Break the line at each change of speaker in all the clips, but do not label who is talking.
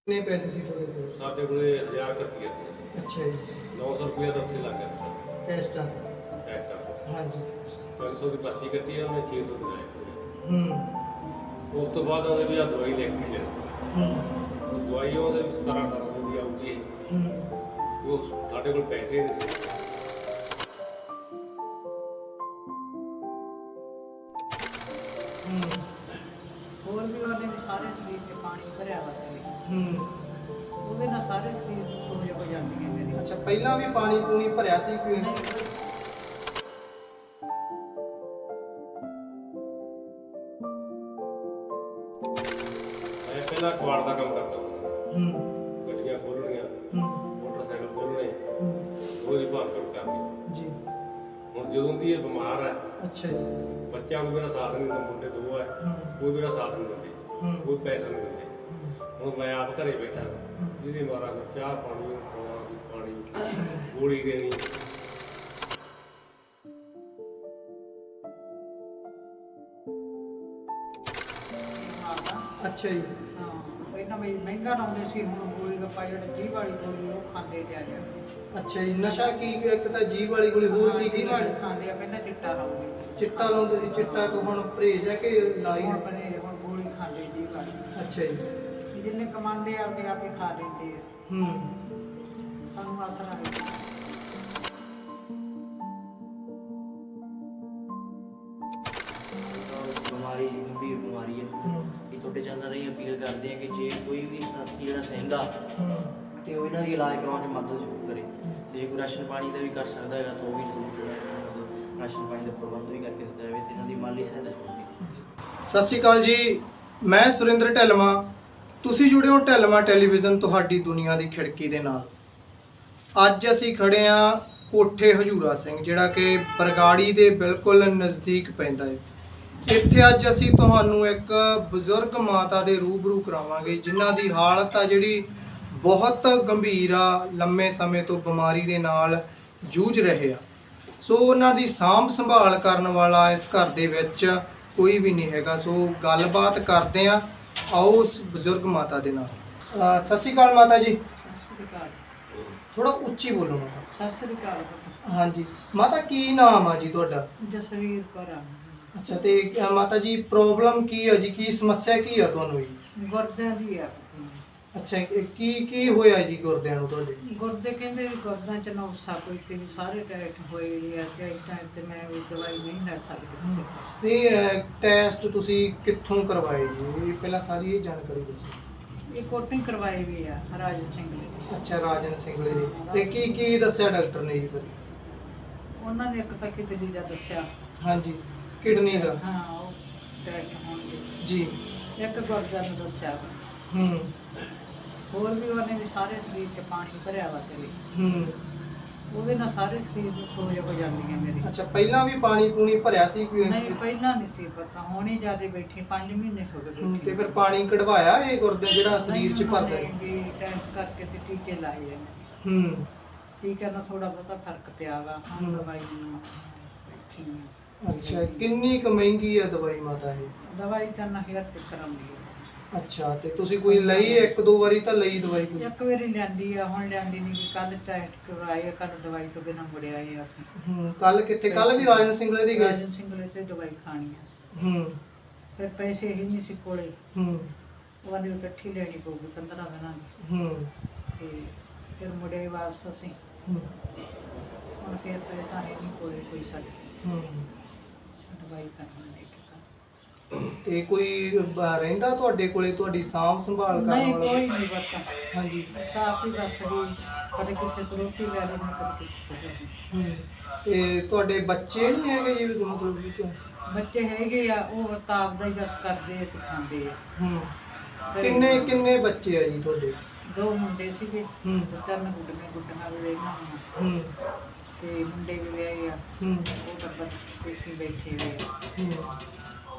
कितने पैसे सी थोड़े को?
ਸਾਡੇ ਕੋਲੇ 1000 ਰੁਪਏ ਸੀ।
अच्छा जी।
900 ਰੁਪਏ ਦਾ ਉੱਥੇ ਲੱਗ ਗਿਆ
टेस्ट आ
ਟੈਸਟ ਦਾ।
हाँ जी।
300 ਦੀ ਪਰਚੀ ਕੱਟੀ ਆ ਉਹਨੇ 600 ਦੀ ਲਾਇਆ।
हम्म
ਉਸ ਤੋਂ ਬਾਅਦ ਉਹਨੇ ਵੀ ਆ ਦਵਾਈ ਲਿਖ ਕੇ ਦੇਣੀ।
हम्म
ਦਵਾਈ ਉਹਦੇ 17-18 ਦੀ ਆਊਗੀ। ਉਹ ਸਾਡੇ ਕੋਲ ਪੈਸੇ ਨਹੀਂ।
ਹੋਰ ਵੀ ਉਹਨੇ ਵੀ ਸਾਰੇ ਸਰੀਰ 'ਚ ਪਾਣੀ ਭਰਿਆ ਵਾ ਤੇ ਉਹਦੇ ਨਾਲ ਸਾਰੇ ਸਰੀਰ ਨੂੰ ਸੋਜ ਹੋ ਜਾਂਦੀ ਹੈ ਮੇਰੀ।
अच्छा पहला भी पानी पूनी भरिया सी कोई?
ਮੈਂ ਪਹਿਲਾਂ ਕੁਆੜ ਦਾ ਕੰਮ ਕਰਦਾ ਹੁੰਦਾ। ਗੱਡੀਆਂ ਖੋਲ੍ਹਣੀਆਂ, ਮੋਟਰਸਾਈਕਲ ਖੋਲ੍ਹਣੇ, ਉਹਦੀ ਭਾਲ ਕਰਨੀ।
जी।
ਹੁਣ ਜਦੋਂ ਦੀ ਇਹ ਬਿਮਾਰ ਹੈ,
अच्छा जी।
ਬੱਚਾ ਕੋਈ ਮੇਰਾ ਸਾਥ ਨਹੀਂ ਦਿੰਦਾ, ਮੁੰਡੇ ਦੋ ਹੈ, ਕੋਈ ਮੇਰਾ ਸਾਥ ਨਹੀਂ ਦਿੰਦੇ, ਕੋਈ ਪੈਸਾ ਨਹੀਂ ਦਿੰਦੇ। ਹੁਣ ਮੈਂ ਆਪ ਘਰੇ ਬੈਠਾ, ਜਿਹਦੀ ਮਾਰਾ ਚਾਹ ਪਾਣੀ ਗੋਲੀ ਦੇਣੀ।
अच्छा जी।
ਹਾਂ ਪਹਿਲਾਂ ਵੀ ਮਹਿੰਗਾ ਲਾਉਂਦੇ ਸੀ, ਹੁਣ ਗੋਲੀ ਗੱਪਾ ਜਿਹੜੀ ਜੀਭ ਵਾਲੀ ਗੋਲੀ ਉਹ ਖਾਂਦੇ ਜਾ ਜਾ
अच्छा जी। नशा की एक तो जीभ वाली गोली होर की
ਵਾਲੀ
नशा?
ਖਾਂਦੇ ਆ, ਪਹਿਲਾਂ ਚਿੱਟਾ ਲਾਉਂਦੇ
चिट्टा लाਉਂਦੇ ਸੀ। चिट्टा तो हुण परहेज है कि लाई?
ਹੁਣ ਬਣੇ ਹੁਣ ਗੋਲੀ ਖਾਂਦੇ ਜੀਭ ਵਾਲੀ।
अच्छा जी।
ਜਿੰਨੇ ਕਮਾਉਂਦੇ ਆ ਆਪਦੇ ਆਪੇ ਖਾ ਲੈਂਦੇ ਆ, ਸਾਨੂੰ ਅਸਰ ਆ ਗਿਆ।
ਬਿਮਾਰੀ ਗੰਭੀਰ ਬਿਮਾਰੀ ਹੈ ਇਹ ਤੁਹਾਡੇ ਚੈਨਲ ਰਾਹੀਂ ਅਪੀਲ ਕਰਦੇ ਆ ਕਿ ਜੇ ਕੋਈ ਵੀ ਸਾਥੀ ਜਿਹੜਾ ਸਹਿੰਦਾ ਤੇ ਉਹ ਇਹਨਾਂ ਦੀ ਇਲਾਜ ਕਰਾਉਣ 'ਚ ਮਦਦ ਜ਼ਰੂਰ ਕਰੇ। ਤੇ ਜੇ ਕੋਈ ਰਾਸ਼ਨ ਪਾਣੀ ਦਾ ਵੀ ਕਰ ਸਕਦਾ ਹੈਗਾ ਤਾਂ ਉਹ ਵੀ ਜ਼ਰੂਰ ਜਿਹੜਾ ਹੈ ਮਤਲਬ ਰਾਸ਼ਨ ਪਾਣੀ ਦਾ ਪ੍ਰਬੰਧ ਵੀ ਕਰਕੇ ਦਿੱਤਾ ਜਾਵੇ ਤੇ ਇਹਨਾਂ ਦੀ ਮਾਲੀ ਸਹਾਇਤਾ ਜ਼ਰੂਰ ਕੀਤੀ।
ਸਤਿ ਸ਼੍ਰੀ ਅਕਾਲ ਜੀ। ਮੈਂ ਸੁਰਿੰਦਰ ਢਿੱਲਵਾਂ। ਤੁਸੀਂ ਜੁੜੇ ਹੋ ਢਿੱਲਵਾਂ ਟੈਲੀਵਿਜ਼ਨ, ਤੁਹਾਡੀ ਦੁਨੀਆ ਦੀ ਖਿੜਕੀ ਦੇ ਨਾਲ। ਅੱਜ ਅਸੀਂ ਖੜੇ ਹਾਂ ਕੋਠੇ ਹਜੂਰਾ ਸਿੰਘ, ਜਿਹੜਾ ਕਿ ਬਰਗਾੜੀ ਦੇ ਬਿਲਕੁਲ ਨਜ਼ਦੀਕ ਪੈਂਦਾ ਹੈ। ਇੱਥੇ ਅੱਜ ਅਸੀਂ ਤੁਹਾਨੂੰ ਇੱਕ ਬਜ਼ੁਰਗ ਮਾਤਾ ਦੇ ਰੂਬਰੂ ਕਰਾਵਾਂਗੇ, ਜਿਨ੍ਹਾਂ ਦੀ ਹਾਲਤ ਆ ਜਿਹੜੀ ਬਹੁਤ ਗੰਭੀਰ ਆ, ਲੰਮੇ ਸਮੇਂ ਤੋਂ ਬਿਮਾਰੀ ਦੇ ਨਾਲ ਜੂਝ ਰਹੇ ਆ। ਸੋ ਉਹਨਾਂ ਦੀ ਸਾਂਭ ਸੰਭਾਲ ਕਰਨ ਵਾਲਾ ਇਸ ਘਰ ਦੇ ਵਿੱਚ ਕੋਈ ਵੀ ਨਹੀਂ ਹੈਗਾ। ਸੋ ਗੱਲਬਾਤ ਕਰਦੇ ਆ, ਆਓ ਉਸ ਬਜ਼ੁਰਗ ਮਾਤਾ ਦੇ ਨਾਲ। ਸਤਿ ਸ਼੍ਰੀ ਅਕਾਲ ਮਾਤਾ ਜੀ।
ਸਤਿ ਸ੍ਰੀ ਅਕਾਲ।
ਥੋੜਾ ਉੱਚੀ ਬੋਲੋ ਮਾਤਾ।
ਸਤਿ ਸ੍ਰੀ ਅਕਾਲ ਪੁੱਤ।
ਹਾਂਜੀ ਮਾਤਾ, ਕੀ ਨਾਮ ਆ ਜੀ ਤੁਹਾਡਾ?
ਜਸਵੀਰ ਕੌਰ ਆ।
ਅੱਛਾ, ਤੇ ਮਾਤਾ ਜੀ ਪ੍ਰੋਬਲਮ ਕੀ ਆ ਜੀ? ਕੀ ਸਮੱਸਿਆ ਕੀ ਆ ਤੁਹਾਨੂੰ ਜੀ?
ਗੁਰਦਿਆਂ ਦੀ ਆ।
ਅੱਛਾ, ਕੀ ਹੋਇਆ ਜੀ ਗੁਰਦਿਆਂ ਨੂੰ ਤੁਹਾਡੇ?
ਗੁਰਦੇ ਕਹਿੰਦੇ ਵੀ ਗੁਰਦਿਆਂ ਚ ਨੁਕਸਾ ਕੋਈ ਤੇ ਵੀ ਸਾਰੇ ਟੈਸਟ ਹੋਏ ਆ ਤੇ ਇਸ ਟਾਈਮ ਤੇ ਮੈਂ ਵੀ ਦਵਾਈ ਨਹੀਂ ਲੈ ਸਕਦੀ ਕਿਸੇ ਪਾਸੇ।
ਇਹ ਟੈਸਟ ਤੁਸੀਂ ਕਿੱਥੋਂ ਕਰਵਾਏ ਜੀ? ਇਹ ਪਹਿਲਾਂ ਸਾਰੀ ਇਹ ਜਾਣਕਾਰੀ ਦੱਸੋ।
ਇਹ ਕੋਟਿੰਗ ਕਰਵਾਈ ਵੀ ਆ ਰਾਜਨ ਸਿੰਘ ਨੇ।
ਅੱਛਾ, ਰਾਜਨ ਸਿੰਘਲੇ ਜੀ। ਤੇ ਕੀ ਦੱਸਿਆ ਡਾਕਟਰ ਨੇ ਜੀ ਫਿਰ?
ਉਹਨਾਂ ਨੇ ਇੱਕ ਤਾਂ ਕਿਡਨੀ ਦਾ ਦੱਸਿਆ।
ਹਾਂਜੀ, ਕਿਡਨੀ ਦਾ।
ਹਾਂ, ਉਹ ਟੈਸਟ ਹੋਣਗੇ
ਜੀ।
ਇੱਕ ਗੁਰਦਿਆਂ ਨੂੰ ਦੱਸਿਆ। ਹੋਰ ਵੀ ਉਹਨੇ ਵੀ ਸਾਰੇ ਸਰੀਰ 'ਚ ਪਾਣੀ ਭਰਿਆ ਵਾ ਤੇ ਉਹਦੇ ਨਾਲ ਸਾਰੇ ਸਰੀਰ ਨੂੰ ਸੋਜ ਹੋ ਜਾਂਦੀ ਹੈ ਮੇਰੀ।
ਅੱਛਾ, ਪਹਿਲਾਂ ਵੀ ਪਾਣੀ ਪੂਣੀ ਭਰਿਆ ਸੀ ਕੋਈ?
ਨਹੀਂ, ਪਹਿਲਾਂ ਨਹੀਂ ਸੀ ਪਤਾ, ਹੁਣ ਹੀ ਜਿਆਦਾ ਬੈਠੀ 5 ਮਹੀਨੇ ਹੋ ਗਏ ਬੈਠੀ।
ਤੇ ਫਿਰ ਪਾਣੀ ਕਢਵਾਇਆ ਇਹ ਗੁਰਦੇ ਜਿਹੜਾ ਸਰੀਰ 'ਚ ਭਰਦਾ ਹੈ?
ਵੀ ਟੈਸਟ ਕਰਕੇ ਤੇ ਟੀਕੇ ਲਾਏ ਆ। ਟੀਕੇ ਨਾਲ ਥੋੜਾ ਬਹੁਤਾ ਫਰਕ ਪਿਆ ਵਾ। ਹੁਣ ਦਵਾਈ ਨੂੰ ਬੈਠੀ ਆ।
ਅੱਛਾ, ਕਿੰਨੀ ਕੁ ਮਹਿੰਗੀ ਹੈ ਦਵਾਈ ਮਾਤਾ ਇਹ?
ਦਵਾਈ ਤਾਂ ਨਾ ਹੇਰ ਤੇ ਕਰਾਉਂਦੀ ਹੈ।
ਅੱਛਾ, ਤੇ ਤੁਸੀਂ ਕੋਈ ਲਈ? ਇੱਕ ਦੋ ਵਾਰੀ ਤਾਂ ਲਈ ਦਵਾਈ ਕੋਈ?
ਇੱਕ ਵਾਰੀ ਲੈਂਦੀ ਆ, ਹੁਣ ਲੈਂਦੀ ਨਹੀਂ। ਕੱਲ ਟੈਸਟ ਕਰਵਾਏ, ਕੱਲ ਦਵਾਈ ਤੋਂ ਬਿਨਾਂ ਮੁੜਿਆ ਆਏ ਅਸੀਂ।
ਕੱਲ ਕਿੱਥੇ? ਕੱਲ ਵੀ ਰਾਜਨ ਸਿੰਘਲੇ ਦੀ ਗਏ?
ਰਾਜਨ ਸਿੰਘਲੇ ਤੇ ਦਵਾਈ ਖਾਣੀ ਆ। ਫਿਰ ਪੈਸੇ ਹੀ ਨਹੀਂ ਸੀ ਕੋਲੇ। ਉਹ ਵਾਲੀ ਇਕੱਠੀ ਲੈਣੀ ਪਊਗੀ 15 ਦਿਨਾਂ ਦੀ। ਤੇ ਫਿਰ ਮੁੜੇ ਵਾਪਸ ਅਸੀਂ। ਹੁਣ ਫਿਰ ਪੈਸਾ ਹੈ ਨਹੀਂ ਕੋਲੇ ਕੋਈ ਸਾਡੇ। ਦਵਾਈ ਕਰਨੀ ਲੈ ਕੇ
ਤੇ ਕੋਈ ਰਹਿੰਦਾ ਤੁਹਾਡੇ ਕੋਲੇ ਤੁਹਾਡੀ ਸਾਂਭ ਸੰਭਾਲ ਕਰਨ
ਨਹੀਂ,
ਵਾਲਾ?
ਕੋਈ ਨਹੀਂ ਪਤਾ।
ਹਾਂਜੀ।
ਤਾਂ ਆਪ ਹੀ ਬਸ ਵੀ ਕਦੇ ਕਿਸੇ ਤੋਂ ਰੋਟੀ ਲੈ ਲੈਣੀ, ਕਦੇ ਕਿਸੇ ਤੋਂ ਲੈਣੀ।
ਤੇ ਤੁਹਾਡੇ ਬੱਚੇ ਨਹੀਂ ਹੈਗੇ ਜੀ? ਮਤਲਬ ਕਿ
ਬੱਚੇ ਹੈਗੇ ਆ, ਉਹ ਤਾਂ ਆਪਦਾ ਹੀ ਬਸ ਕਰਦੇ ਆ ਤੇ ਖਾਂਦੇ ਆ।
ਕਿੰਨੇ ਬੱਚੇ ਆ ਜੀ ਤੁਹਾਡੇ?
2 ਮੁੰਡੇ ਸੀਗੇ ਤੇ 3 ਗੁੱਡੀਆਂ ਵੀ ਰਹਿਣਾ ਹੁਣ। ਤੇ ਮੁੰਡੇ ਵੀ ਵਿਆਹੇ ਆ। ਉਹ ਤਾਂ ਬਸ ਕੁਛ ਬੈਠੇ ਹੋਏ ਆ।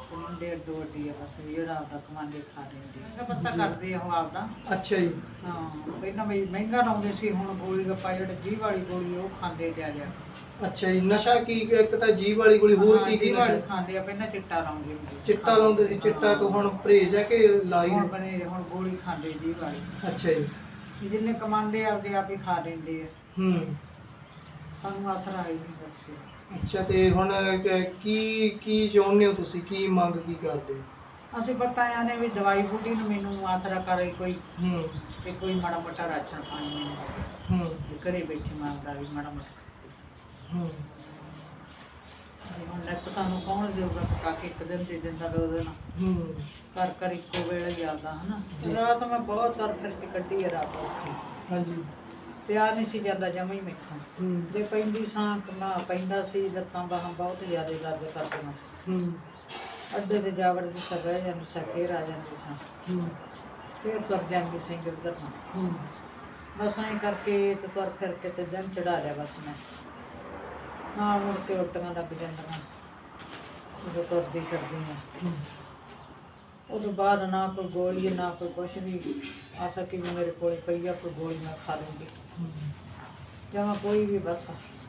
ਮੁੰਡੇ ਅੱਡੋ ਅੱਡੀ ਆ ਬਸ ਜਿਹੜਾ ਆਪਦਾ ਕਮਾਉਂਦੇ ਖਾ ਲੈਂਦੇ ਆ ਪਤਾ ਕਰਦੇ ਆ ਉਹ ਆਪਦਾ।
ਅੱਛਾ ਜੀ।
ਹਾਂ ਪਹਿਲਾਂ ਵੀ ਮਹਿੰਗਾ ਲਾਉਂਦੇ ਸੀ, ਹੁਣ ਗੋਲੀ ਗੱਪਾ ਜਿਹੜਾ 20 ਵਾਲੀ ਗੋਲੀ ਉਹ ਖਾਂਦੇ ਜਾ ਜਾ।
ਅੱਛਾ ਜੀ। ਨਸ਼ਾ ਕੀ, ਇੱਕ ਤਾਂ ਜੀਭ ਵਾਲੀ ਗੋਲੀ, ਹੋਰ ਕੀ ਕੀ
20
ਨਸ਼ਾ?
ਵਾਲੀ ਖਾਂਦੇ ਆ, ਪਹਿਲਾਂ ਚਿੱਟਾ ਲਾਉਂਦੇ ਹੁੰਦੇ ਸੀ।
ਚਿੱਟਾ ਲਾਉਂਦੇ ਸੀ। ਚਿੱਟਾ ਤੋਂ ਹੁਣ ਪਰਹੇਜ਼ ਹੈ ਕਿ ਲਾਈ?
ਹੁਣ ਬਣੇ ਹੁਣ ਗੋਲੀ ਖਾਂਦੇ 20 ਵਾਲੀ।
ਅੱਛਾ ਜੀ।
ਜਿੰਨੇ ਕਮਾਉਂਦੇ ਆਪਦੇ ਆਪ ਹੀ ਖਾ ਲੈਂਦੇ ਆ,
ਹੂੰ।
ਸਾਨੂੰ ਆਸਰਾ ਹੀ ਨਹੀਂ ਬਖਸ਼ਿਆ।
ਅੱਛਾ, ਤੇ ਹੁਣ ਕੀ ਕੀ ਚਾਹੁੰਦੇ ਹੋ ਤੁਸੀਂ, ਕੀ ਮੰਗ ਕੀ ਕਰਦੇ ਹੋ?
ਅਸੀਂ ਬਤਾਇਆ ਨੇ ਵੀ ਦਵਾਈ ਬੂਟੀ ਨੂੰ ਮੈਨੂੰ ਆਸਰਾ ਕਰੇ ਕੋਈ,
ਹੂੰ
ਤੇ ਕੋਈ ਮਾੜਾ ਮੋਟਾ ਰਾਸ਼ਨ ਪਾਣੀ ਮੈਨੂੰ
ਹੂੰ
ਵੀ ਘਰੇ ਬੈਠੇ ਮੰਗਦਾ ਵੀ ਮਾੜਾ ਮੋਟਾ।
ਹੂੰ
ਵੀ ਹੁਣ ਨਿੱਤ ਸਾਨੂੰ ਕੌਣ ਦੇਊਗਾ ਪਕਾ ਕੇ, ਇੱਕ ਦਿਨ ਦੇ ਦਿੰਦਾ 2 ਦਿਨ,
ਹੂੰ
ਘਰ ਘਰ ਇੱਕੋ ਵੇਲੇ ਹੀ ਆਉਂਦਾ ਹਨਾ।
ਜੀ।
ਰਾਤ ਮੈਂ ਬਹੁਤ ਤਰ ਫਿਰ ਕੇ ਕੱਢੀ ਹੈ ਰਾਤ ਔਖੀ,
ਹਾਂਜੀ।
ਪਿਆ ਨਹੀਂ ਸੀ ਜਾਂਦਾ ਜਮਾਂ ਹੀ ਮੈਥੋਂ।
ਹੂੰ
ਜੇ ਪੈਂਦੀ ਸਾਂ ਕਮਾ ਪੈਂਦਾ ਸੀ, ਲੱਤਾਂ ਬਾਹਾਂ ਬਹੁਤ ਜ਼ਿਆਦਾ ਦਰਦ ਕਰਦੀਆਂ ਸੀ।
ਹੂੰ
ਅੱਡੇ ਤੇ ਜਾ ਵੜਦੀ ਸਾਂ, ਬਹਿ ਜਾਂਦੀ ਸਾਂ, ਫੇਰ ਆ ਜਾਂਦੀ ਸਾਂ,
ਹੂੰ
ਫੇਰ ਤੁਰ ਜਾਂਦੀ ਸੀ ਉੱਧਰ ਨੂੰ।
ਹੂੰ
ਬਸ ਐਂ ਕਰਕੇ ਤੇ ਤੁਰ ਫਿਰ ਕੇ ਤੇ ਦਿਨ ਚੜਾ ਲਿਆ ਬਸ ਮੈਂ। ਹਾਂ ਮੁੜ ਕੇ ਉਲਟੀਆਂ ਲੱਗ ਜਾਂਦੀਆਂ ਜਦੋਂ ਤੁਰਦੀ ਫਿਰਦੀ ਹਾਂ। ਉਦੋਂ ਬਾਅਦ ਨਾ ਕੋਈ ਗੋਲੀ ਨਾ ਕੋਈ ਕੁਛ ਵੀ ਆ ਸਕੀ ਵੀ ਮੇਰੇ ਕੋਲ ਪਈ ਆ ਕੋਈ ਗੋਲੀ ਮੈਂ ਖਾ ਲੂੰਗੀ ਜਮਾਂ ਕੋਈ ਵੀ। ਬਸ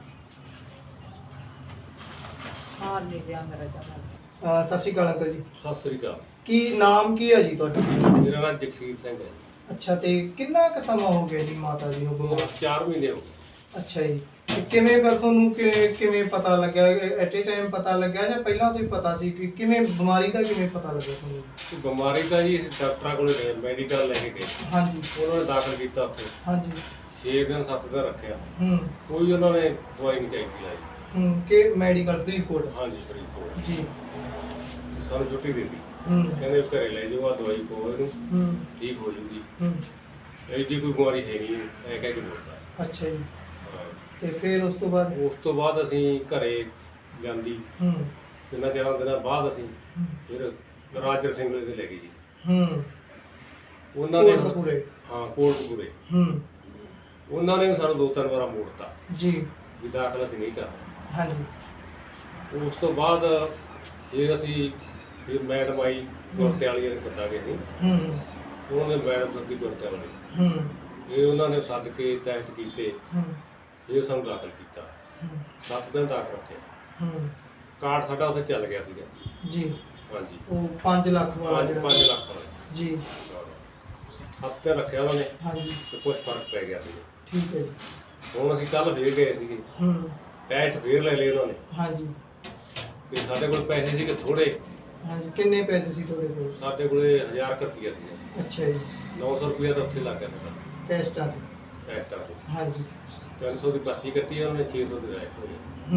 ਹਾਰ ਨਹੀਂ ਗਿਆ ਮੇਰਾ ਜਮਾਂ।
ਸਤਿ ਸ਼੍ਰੀ ਅਕਾਲ ਅੰਕਲ ਜੀ।
ਸਤਿ ਸ੍ਰੀ ਅਕਾਲ।
ਕੀ ਨਾਮ ਕੀ ਹੈ ਜੀ ਤੁਹਾਡਾ?
ਮੇਰਾ ਨਾਮ ਜਗਸੀਰ ਸਿੰਘ ਹੈ।
ਅੱਛਾ, ਤੇ ਕਿੰਨਾ ਕੁ ਸਮਾਂ ਹੋ ਗਿਆ ਜੀ ਮਾਤਾ ਜੀ ਨੂੰ ਬਿਮਾਰ?
4 ਮਹੀਨੇ ਹੋ ਗਏ।
ਅੱਛਾ ਜੀ। ਤੇ ਕਿਵੇਂ ਫਿਰ ਤੁਹਾਨੂੰ ਕਿਵੇਂ ਪਤਾ ਲੱਗਿਆ? ਐਟ ਏ ਟਾਈਮ ਪਤਾ ਲੱਗਿਆ ਜਾਂ ਪਹਿਲਾਂ ਤੋਂ ਹੀ ਪਤਾ ਸੀ? ਕਿ ਕਿਵੇਂ ਬਿਮਾਰੀ ਦਾ ਕਿਵੇਂ ਪਤਾ ਲੱਗਿਆ ਤੁਹਾਨੂੰ?
ਤੇ ਬਿਮਾਰੀ ਤਾਂ ਜੀ ਅਸੀਂ ਡਾਕਟਰਾਂ ਕੋਲੇ ਗਏ, ਮੈਡੀਕਲ ਲੈ ਕੇ ਗਏ,
ਹਾਂਜੀ
ਉਹਨਾਂ ਨੇ ਦਾਖਲ ਕੀਤਾ ਉੱਥੇ,
ਹਾਂਜੀ।
6 ਦਿਨ 7 ਦਿਨ ਰੱਖਿਆ,
ਹੂੰ
ਕੋਈ ਉਹਨਾਂ ਨੇ ਦਵਾਈ ਨਹੀਂ ਚਾਹੀਦੀ ਲਾਈ।
ਹੂੰ ਕਿ ਮੈਡੀਕਲ ਫਰੀਦਕੋਟ?
ਹਾਂਜੀ ਫਰੀਦਕੋਟ।
ਜੀ।
ਸਾਨੂੰ ਛੁੱਟੀ ਦੇ ਦਿੱਤੀ,
ਹੂੰ
ਕਹਿੰਦੇ ਘਰੇ ਲੈ ਜਾਓ, ਆ ਦਵਾਈ ਪਾਓ ਇਹਨੂੰ,
ਹੂੰ
ਠੀਕ ਹੋ ਜੂਗੀ,
ਹੂੰ
ਐਡੀ ਕੋਈ ਬਿਮਾਰੀ ਹੈ ਨਹੀਂ, ਐ ਕਹਿ ਕੇ ਬੋਲਦਾ।
ਅੱਛਾ ਜੀ।
ਹਾਂ।
ਤੇ ਫਿਰ ਉਸ ਤੋਂ ਬਾਅਦ?
ਉਸ ਤੋਂ ਬਾਅਦ ਅਸੀਂ ਘਰੇ ਜਾਂਦੀ,
ਹੂੰ
ਤਿੰਨਾਂ 4 ਦਿਨਾਂ ਬਾਅਦ ਅਸੀਂ
ਹੂੰ
ਫਿਰ ਰਾਜਰ ਸਿੰਘ ਦੇ ਲੈ ਗਏ ਜੀ।
ਹੂੰ
ਉਹਨਾਂ ਨੇ
ਕੋਟਕਪੂਰੇ?
ਹਾਂ ਕੋਟਕਪੂਰੇ।
ਹੂੰ
ਉਹਨਾਂ ਨੇ ਵੀ ਸਾਨੂੰ 2-3 ਵਾਰਾਂ ਮੋੜਤਾ
ਜੀ।
ਵੀ ਦਾਖਲ ਅਸੀਂ ਨਹੀਂ ਕਰਨਾ।
ਹਾਂਜੀ।
ਉਸ ਤੋਂ ਬਾਅਦ ਫਿਰ ਅਸੀਂ ਫਿਰ ਮੈਡਮ ਆਈ ਗੁਰਤੇ ਵਾਲੀ ਦੇ ਸੱਦਾ ਗਏ ਸੀ,
ਹੂੰ
ਉਹਨਾਂ ਨੇ ਮੈਡਮ ਸੱਦੀ ਗੁਰਤੇ ਵਾਲੀ,
ਹੂੰ
ਇਹ ਉਹਨਾਂ ਨੇ ਸੱਦ ਕੇ ਟੈਸਟ ਕੀਤੇ,
ਹੂੰ
ਇਹ ਸਾਨੂੰ ਦਾਖਲ ਕੀਤਾ,
ਹੂੰ
7 ਦਿਨ ਦਾਖਲ ਰੱਖਿਆ।
ਹੂੰ
ਕਾਰਡ ਸਾਡਾ ਉੱਥੇ ਚੱਲ ਗਿਆ ਸੀਗਾ।
ਜੀ।
ਹਾਂਜੀ
ਉਹ 5 ਲੱਖ ਵਾਲਾ
5 ਲੱਖ ਵਾਲਾ
ਜੀ।
7 ਦਿਨ ਰੱਖਿਆ ਉਹਨਾਂ ਨੇ
ਹਾਂਜੀ
ਤੇ ਕੁਝ ਫਰਕ ਪੈ ਗਿਆ ਸੀ।
ਠੀਕ ਹੈ ਜੀ।
ਹੁਣ ਅਸੀਂ ਕੱਲ ਫੇਰ ਗਏ ਸੀਗੇ,
ਹੂੰ
ਟੈਸਟ ਫੇਰ ਲੈ ਲਏ ਉਹਨਾਂ ਨੇ,
ਹਾਂਜੀ
ਤੇ ਸਾਡੇ ਕੋਲ ਪੈਸੇ ਸੀਗੇ ਥੋੜੇ,
ਹਾਂਜੀ। ਕਿੰਨੇ ਪੈਸੇ ਸੀ ਤੁਹਾਡੇ ਕੋਲ?
ਸਾਡੇ ਕੋਲੇ 1000 ਰੁਪਇਆ ਸੀਗਾ,
ਅੱਛਾ ਜੀ।
900 ਰੁਪਇਆ ਤਾਂ ਉੱਥੇ ਲੱਗ ਗਿਆ ਸਾਡਾ
ਟੈਸਟਾਂ ਤੇ?
ਟੈਸਟਾਂ ਤੇ।
ਹਾਂਜੀ।
300 ਦੀ ਪਰਚੀ ਕੱਟੀ ਉਹਨਾਂ ਨੇ, 600 ਦੀ ਰਾਈਟ ਹੋਈ।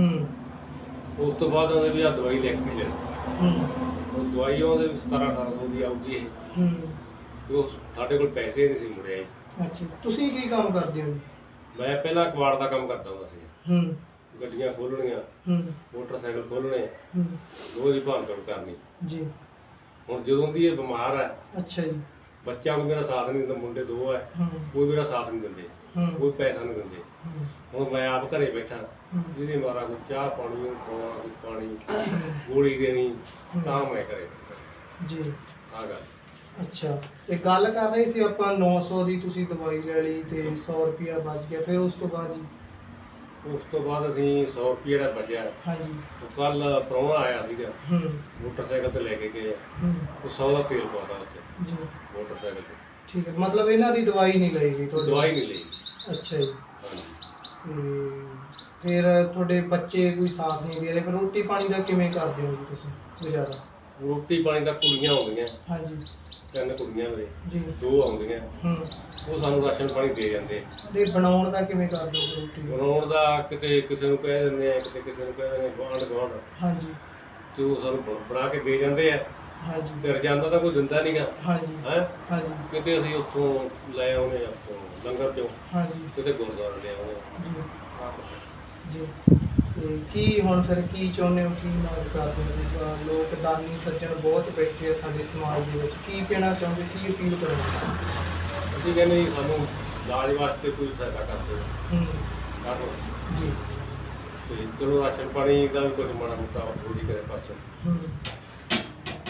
ਹੂੰ
ਉਸ ਤੋਂ ਬਾਅਦ ਉਹਨੇ ਵੀ ਆ ਦਵਾਈ ਲਿਖ ਕੇ ਲੈਣੀ,
ਹੂੰ
ਉਹ ਦਵਾਈ ਉਹਦੇ 1700-1800 ਦੀ ਆਊਗੀ ਇਹ,
ਹੂੰ
ਤੇ ਉਹ ਸਾਡੇ ਕੋਲ ਪੈਸੇ ਨਹੀਂ ਸੀ ਮੁੜਿਆ ਜੀ।
ਅੱਛਾ। ਤੁਸੀਂ ਕੀ ਕੰਮ ਕਰਦੇ ਹੋ?
ਮੈਂ ਪਹਿਲਾਂ ਕਬਾੜ ਦਾ ਕੰਮ ਕਰਦਾ ਹੁੰਦਾ ਸੀ,
ਹੂੰ
ਗੱਡੀਆਂ ਖੋਲ੍ਹਣੀਆਂ,
ਹੂੰ
ਮੋਟਰਸਾਈਕਲ ਖੋਲ੍ਹਣੇ,
ਹੂੰ
ਰੋਜ਼ ਹੀ ਭਾਂਤੜ ਕਰਨੀ।
ਜੀ।
ਹੁਣ ਜਦੋਂ ਦੀ ਇਹ ਬਿਮਾਰ ਹੈ,
ਅੱਛਾ ਜੀ।
ਬੱਚਾ ਕੋਈ ਮੇਰਾ ਸਾਥ ਨਹੀਂ ਦਿੰਦਾ, ਮੁੰਡੇ 2 ਹੈ,
ਹੂੰ
ਕੋਈ ਮੇਰਾ ਸਾਥ ਨਹੀਂ ਦਿੰਦੇ,
ਹੂੰ
ਕੋਈ ਪੈਸਾ ਨਹੀਂ ਦਿੰਦੇ।
ਹੂੰ
ਹੁਣ ਮੈਂ ਆਪ ਘਰੇ ਬੈਠਾ,
ਹੂੰ
ਜਿਹਦੀ ਮਾਰਾ ਕੋਈ ਚਾਹ ਪਾਣੀ ਨੂੰ ਖਵਾਉਣਾ, ਕੋਈ ਪਾਣੀ ਗੋਲੀ ਦੇਣੀ, ਤਾਂ ਮੈਂ ਘਰੇ ਬੈਠਾ।
ਜੀ।
ਆ ਗੱਲ।
ਅੱਛਾ, ਤੇ ਗੱਲ ਕਰ ਰਹੇ ਸੀ ਆਪਾਂ 900 ਦੀ ਤੁਸੀਂ ਦਵਾਈ ਲੈ ਲਈ ਤੇ 100 ਰੁਪਿਆ ਬਚ ਗਿਆ, ਫਿਰ ਉਸ ਤੋਂ ਬਾਅਦ ਜੀ?
ਉਸ ਤੋਂ ਬਾਅਦ ਅਸੀਂ 100 ਰੁਪਏ ਜਿਹੜਾ ਬਚਿਆ,
ਹਾਂਜੀ।
ਉਹ ਕੱਲ ਪ੍ਰਾਹੁਣਾ ਆਇਆ ਸੀਗਾ,
ਹੂੰ
ਮੋਟਰਸਾਈਕਲ ਤੇ ਲੈ ਕੇ ਗਏ,
ਹੂੰ
ਉਹ 100 ਦਾ ਤੇਲ ਪਾਉਂਦਾ ਉੱਥੇ
ਜੀ।
ਮੋਟਰਸਾਈਕਲ ਤੇ।
ਠੀਕ ਹੈ, ਮਤਲਬ ਇਹਨਾਂ ਦੀ ਦਵਾਈ ਨਹੀਂ ਲਈ ਗਈ ਤੁਹਾਡੀ?
ਦਵਾਈ ਨਹੀਂ ਲਈ।
ਅੱਛਾ ਜੀ।
ਹਾਂਜੀ।
ਤੇ ਫਿਰ ਤੁਹਾਡੇ ਬੱਚੇ ਕੋਈ ਸਾਥ ਨਹੀਂ ਦੇ ਰਹੇ, ਫਿਰ ਰੋਟੀ ਪਾਣੀ ਦਾ ਕਿਵੇਂ ਕਰਦੇ ਹੋ ਜੀ ਤੁਸੀਂ ਗੁਜ਼ਾਰਾ?
ਰੋਟੀ ਪਾਣੀ ਤਾਂ ਕੁੜੀਆਂ ਆਉਂਦੀਆਂ,
ਹਾਂਜੀ
3 ਕੁੜੀਆਂ ਮੇਰੇ,
ਜੀ।
2 ਆਉਂਦੀਆਂ,
ਹੂੰ
ਉਹ ਸਾਨੂੰ ਰਾਸ਼ਨ ਪਾਣੀ ਦੇ ਜਾਂਦੇ।
ਤੇ ਬਣਾਉਣ ਦਾ ਕਿਵੇਂ ਕਰਦੇ ਹੋ ਰੋਟੀ?
ਬਣਾਉਣ ਦਾ ਕਿਤੇ ਕਿਸੇ ਨੂੰ ਕਹਿ ਦਿੰਦੇ ਆ, ਕਿਤੇ ਕਿਸੇ ਨੂੰ ਕਹਿ ਦਿੰਦੇ ਗੁਆਂਢ ਗੁਆਂਢ,
ਹਾਂਜੀ
ਤੇ ਉਹ ਸਾਨੂੰ ਬਣਾ ਕੇ ਦੇ ਜਾਂਦੇ ਆ।
ਹਾਂਜੀ
ਤੇ ਰਜਾਨਾ ਤਾਂ ਕੋਈ ਦਿੰਦਾ ਨਹੀਂਗਾ
ਹਾਂਜੀ
ਹੈ,
ਹਾਂਜੀ
ਕਿਤੇ ਅਸੀਂ ਉੱਥੋਂ ਲੈ ਆਉਨੇ, ਉੱਥੋਂ ਲੰਗਰ ਚੋਂ,
ਹਾਂਜੀ
ਕਿਤੇ ਗੁਰਦੁਆਰੇ ਲੈ ਆਉਨੇ।
ਜੀ ਜੀ। ਤੇ ਕੀ ਹੁਣ ਫਿਰ ਕੀ ਚਾਹੁੰਦੇ ਹੋ, ਕੀ ਮੰਗ ਕਰਦੇ ਹੋ? ਲੋਕ ਦਾਨੀ ਸੱਜਣ ਬਹੁਤ ਬੈਠੇ ਆ ਸਾਡੇ ਸਮਾਜ ਦੇ ਵਿੱਚ, ਕੀ ਕਹਿਣਾ ਚਾਹੁੰਦੇ, ਕੀ ਅਪੀਲ ਕਰੋਗੇ?
ਅਸੀਂ ਕਹਿੰਦੇ ਜੀ ਸਾਨੂੰ ਇਲਾਜ ਵਾਸਤੇ ਕੋਈ ਸਹਾਇਤਾ ਕਰ ਦਿਓ,
ਹੂੰ
ਕਰ ਦਿਓ।
ਜੀ।
ਤੇ ਚਲੋ ਰਾਸ਼ਨ ਪਾਣੀ ਦਾ ਵੀ ਕੁਝ ਮਾੜਾ ਮੋਟਾ ਹੋਰੀ ਕਰੇ ਪਾਸੇ।
ਹੂੰ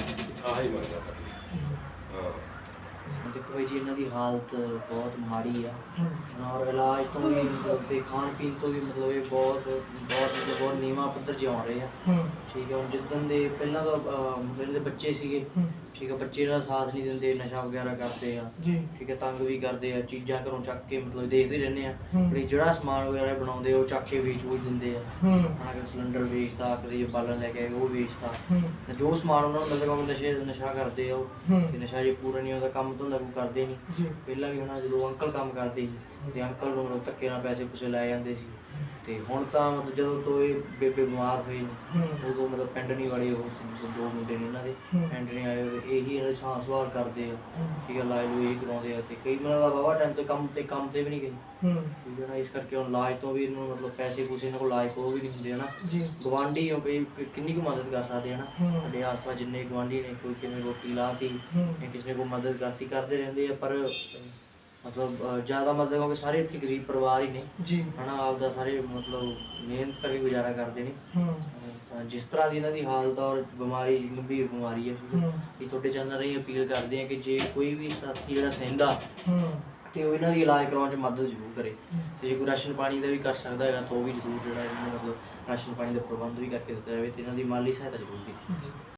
ਆਹ ਹੀ ਮੰਗਦਾ ਸਾਡੀ। ਹਾਂ
ਦੇਖੋ ਭਾਈ ਜੀ ਇਹਨਾਂ ਦੀ ਹਾਲਤ ਬਹੁਤ ਮਾੜੀ ਆ ਔਰ ਇਲਾਜ ਤੋਂ ਵੀ ਮਤਲਬ ਤੇ ਖਾਣ ਪੀਣ ਤੋਂ ਵੀ ਮਤਲਬ ਇਹ ਬਹੁਤ ਨੀਵਾਂ ਪੱਧਰ 'ਚ ਆ ਰਹੇ ਆ। ਠੀਕ ਹੈ, ਹੁਣ ਜਿੱਦਣ ਦੇ ਪਹਿਲਾਂ ਤਾਂ ਮਤਲਬ ਇਹਨਾਂ ਦੇ ਬੱਚੇ ਸੀਗੇ, ਠੀਕ ਹੈ, ਬੱਚੇ ਇਹਨਾਂ ਦਾ ਸਾਥ ਨਹੀਂ ਦਿੰਦੇ, ਨਸ਼ਾ ਵਗੈਰਾ ਕਰਦੇ ਆ, ਠੀਕ ਹੈ, ਤੰਗ ਵੀ ਕਰਦੇ ਆ, ਚੀਜ਼ਾਂ ਘਰੋਂ ਚੱਕ ਕੇ ਮਤਲਬ ਦੇਖਦੇ ਰਹਿੰਦੇ ਆ ਵੀ ਜਿਹੜਾ ਸਮਾਨ ਵਗੈਰਾ ਬਣਾਉਂਦੇ ਉਹ ਚੱਕ ਕੇ ਵੇਚ ਵੂਚ ਦਿੰਦੇ ਆ। ਹਾਂ, ਸਿਲੰਡਰ ਵੇਚਦਾ, ਕਦੇ ਬਾਲਣ ਲੈ ਕੇ ਆਏ ਉਹ ਵੇਚਦਾ, ਜੋ ਸਮਾਨ ਉਹਨਾਂ ਨੂੰ ਮਿਲਦਾ ਉਹ ਨਸ਼ਾ ਕਰਦੇ ਆ। ਉਹ ਤੇ ਨਸ਼ਾ ਜੇ ਪੂਰਾ ਨਹੀਂ ਉਹਦਾ ਕੰਮ ਧੰਦਾ ਕੋਈ ਕਰਦੇ ਨਹੀਂ। ਪਹਿਲਾਂ ਵੀ ਹੁਣ ਜਦੋਂ ਅੰਕਲ ਕੰਮ ਕਰਦੇ ਸੀ ਤੇ ਅੰਕਲ ਨੂੰ ਮਤਲਬ ਧੱਕੇ ਨਾਲ ਪੈਸੇ ਪੂਸੇ ਲੈ ਜਾਂਦੇ ਸੀ, ਤੇ ਹੁਣ ਤਾਂ ਮਤਲਬ ਜਦੋਂ ਤੋਂ ਇਹ ਬੇਬੇ ਬਿਮਾਰ ਹੋਏ ਉਦੋਂ ਮਤਲਬ ਪਿੰਡ ਨਹੀਂ ਵਾਲੇ ਉਹ ਦੋ ਮੁੰਡੇ ਨੇ ਇਹਨਾਂ ਦੇ ਪਿੰਡ ਨਹੀਂ ਆਏ ਹੋਏ, ਇਹੀ ਇਹਨਾਂ ਦੀ ਸਾਂਭ ਸੰਭਾਲ ਕਰਦੇ ਆ। ਠੀਕ ਹੈ, ਇਲਾਜ ਨੂੰ ਇਹੀ ਕਰਾਉਂਦੇ ਆ ਤੇ ਕਈ ਮਤਲਬ ਦਾ ਵਾਹਵਾ ਟਾਈਮ ਤੇ ਕੰਮ ਤੇ ਵੀ ਨਹੀਂ ਗਏ। ਠੀਕ ਹੈ ਨਾ, ਇਸ ਕਰਕੇ ਹੁਣ ਇਲਾਜ ਤੋਂ ਵੀ ਇਹਨੂੰ ਮਤਲਬ ਪੈਸੇ ਪੂਸੇ ਇਹਨਾਂ ਕੋਲ ਇਲਾਜ ਕੋਲ ਵੀ ਨਹੀਂ ਹੁੰਦੇ ਹਨਾ। ਗਵਾਂਢੀ ਹੋ ਕਈ ਕਿੰਨੀ ਕੁ ਮਦਦ ਕਰ ਸਕਦੇ ਹਨਾ, ਸਾਡੇ ਆਸ ਪਾਸ ਜਿੰਨੇ ਗਵਾਂਢੀ ਨੇ, ਕੋਈ ਕਿਵੇਂ ਰੋਟੀ ਲਾਤੀ ਜਾਂ ਕਿਸੇ ਨੇ ਕੋਈ ਮਦਦ ਕਰਤੀ ਕਰਦੇ ਰਹਿੰਦੇ ਆ, ਪਰ ਮਤਲਬ ਜ਼ਿਆਦਾ ਮਦਦ ਕਿਉਂਕਿ ਸਾਰੇ ਇੱਥੇ ਗਰੀਬ ਪਰਿਵਾਰ ਹੀ ਨੇ ਹਨਾ, ਆਪਦਾ ਸਾਰੇ ਮਤਲਬ ਮਿਹਨਤ ਕਰਕੇ ਗੁਜ਼ਾਰਾ ਕਰਦੇ ਨੇ। ਤਾਂ ਜਿਸ ਤਰ੍ਹਾਂ ਦੀ ਇਹਨਾਂ ਦੀ ਹਾਲਤ ਔਰ ਬਿਮਾਰੀ ਗੰਭੀਰ ਬਿਮਾਰੀ ਹੈ, ਇਹ ਤੁਹਾਡੇ ਚੈਨਲ ਰਾਹੀਂ ਅਪੀਲ ਕਰਦੇ ਆ ਕਿ ਜੇ ਕੋਈ ਵੀ ਸਾਥੀ ਜਿਹੜਾ ਸਹਿੰਦਾ ਤੇ ਉਹ ਇਹਨਾਂ ਦੀ ਇਲਾਜ ਕਰਾਉਣ 'ਚ ਮਦਦ ਜ਼ਰੂਰ ਕਰੇ, ਤੇ ਜੇ ਕੋਈ ਰਾਸ਼ਨ ਪਾਣੀ ਦਾ ਵੀ ਕਰ ਸਕਦਾ ਹੈਗਾ ਤਾਂ ਉਹ ਵੀ ਜ਼ਰੂਰ ਜਿਹੜਾ ਇਹਨਾਂ ਨੂੰ ਮਤਲਬ ਰਾਸ਼ਨ ਪਾਣੀ ਦਾ ਪ੍ਰਬੰਧ ਵੀ ਕਰਕੇ ਦਿੱਤਾ ਜਾਵੇ ਤੇ ਇਹਨਾਂ ਦੀ ਮਾਲੀ ਸਹਾਇਤਾ ਜ਼ਰੂਰ ਕੀਤੀ।